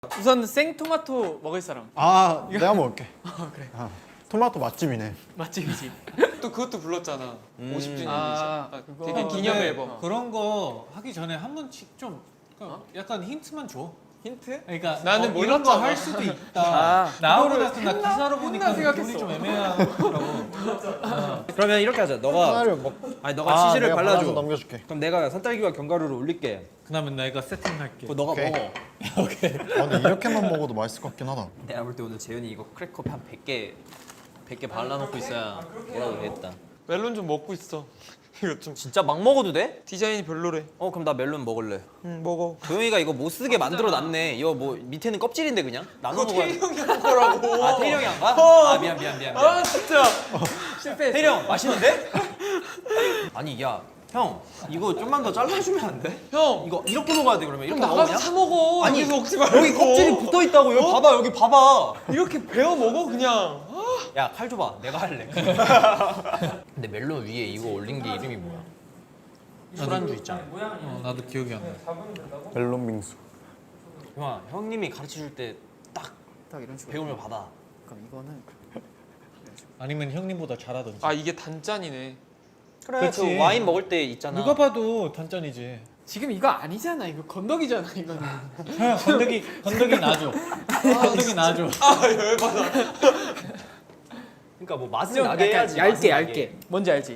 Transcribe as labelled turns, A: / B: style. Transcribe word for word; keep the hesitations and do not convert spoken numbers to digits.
A: 우선 생토마토 먹을 사람.
B: 아 내가 먹을게.
A: 아 그래.
B: 아, 토마토 맛집이네.
A: 맛집이지.
C: 또 그것도 불렀잖아.
D: 음.
C: 오십 주년
A: 아,
C: 아,
A: 그거.
C: 되게
A: 어,
C: 기념
E: 근데
C: 앨범.
E: 그런 거 하기 전에 한 번씩 좀 그러니까 약간 힌트만 줘.
A: 힌트?
E: 그러니까
C: 나는
E: 어, 이런 거
C: 몰랐잖아.
E: 할 수도 있다.
A: 아,
E: 나오고
A: 그거를
E: 나서 나 기사로 보니까
A: 했나
E: 기분이
A: 생각했어.
E: 좀 애매하더라고.
D: 그러면 이렇게 하자. 너가
B: 하나를 먹.
D: 아니 너가
B: 아,
D: 치즈를
B: 내가
D: 발라줘.
B: 발라서 넘겨줄게.
D: 그럼 내가 산딸기와 견과류를 올릴게.
E: 그다음에 내가 세팅할게.
D: 그거 너가
B: 오케이.
D: 먹어.
E: 오케이.
B: 아, 근데 이렇게만 먹어도 맛있을 것 같긴 하다.
D: 내가 볼 때 오늘 재현이 이거 크래커 한 백 개 백 개 발라놓고 있어야 뭐라도 되겠다.
C: 멜론 좀 먹고 있어. 이거 좀
D: 진짜 막 먹어도 돼?
C: 디자인이 별로래.
D: 어 그럼 나 멜론 먹을래.
C: 응 먹어.
D: 도영이가 이거 못 쓰게 만들어 놨네. 이거 뭐 밑에는 껍질인데 그냥 나눠
C: 그거
D: 먹어야
C: 태희 형이 한 거라고.
D: 아 태일형이 안 가?
C: 어.
D: 아 미안 미안 미안. 미안.
C: 아 진짜.
A: 실패했어.
D: 태일형 맛있는데? 아니 야 형 이거 좀만 더 잘라주면 안 돼?
C: 형.
D: 이거 이렇게 먹어야 돼 그러면
C: 좀
D: 이렇게
C: 나가서
D: 먹으냐?
C: 사 먹어.
D: 아니,
C: 여기서 먹지 말고.
D: 여기 껍질이 붙어 있다고 여기 봐봐 여기 봐봐.
C: 이렇게 베어 먹어 그냥.
D: 야 칼 줘봐 내가 할래. 근데 멜론 위에 이거 올린 게 이름이 뭐야? 술안주 있잖아.
E: 어, 나도 기억이 안 나.
B: 멜론 빙수.
D: 형아 형님이 가르쳐 줄 때 딱
A: 딱 이런 식으로.
D: 배우면 받아.
A: 그럼 이거는
E: 아니면 형님보다 잘하든지.
C: 아 이게 단짠이네.
D: 그래
E: 그치.
D: 그 와인 먹을 때 있잖아.
E: 누가 봐도 단짠이지.
A: 지금 이거 아니잖아. 이거 건더기잖아. 이거는.
E: 형 건더기 건더기 놔줘. 건더기 놔줘.
C: 아 열받아.
D: 그러니까 뭐 맛을
A: 좀
D: 나게
A: 약간
D: 해야지.
A: 얇게
D: 맛을 나게.
A: 얇게. 뭔지 알지?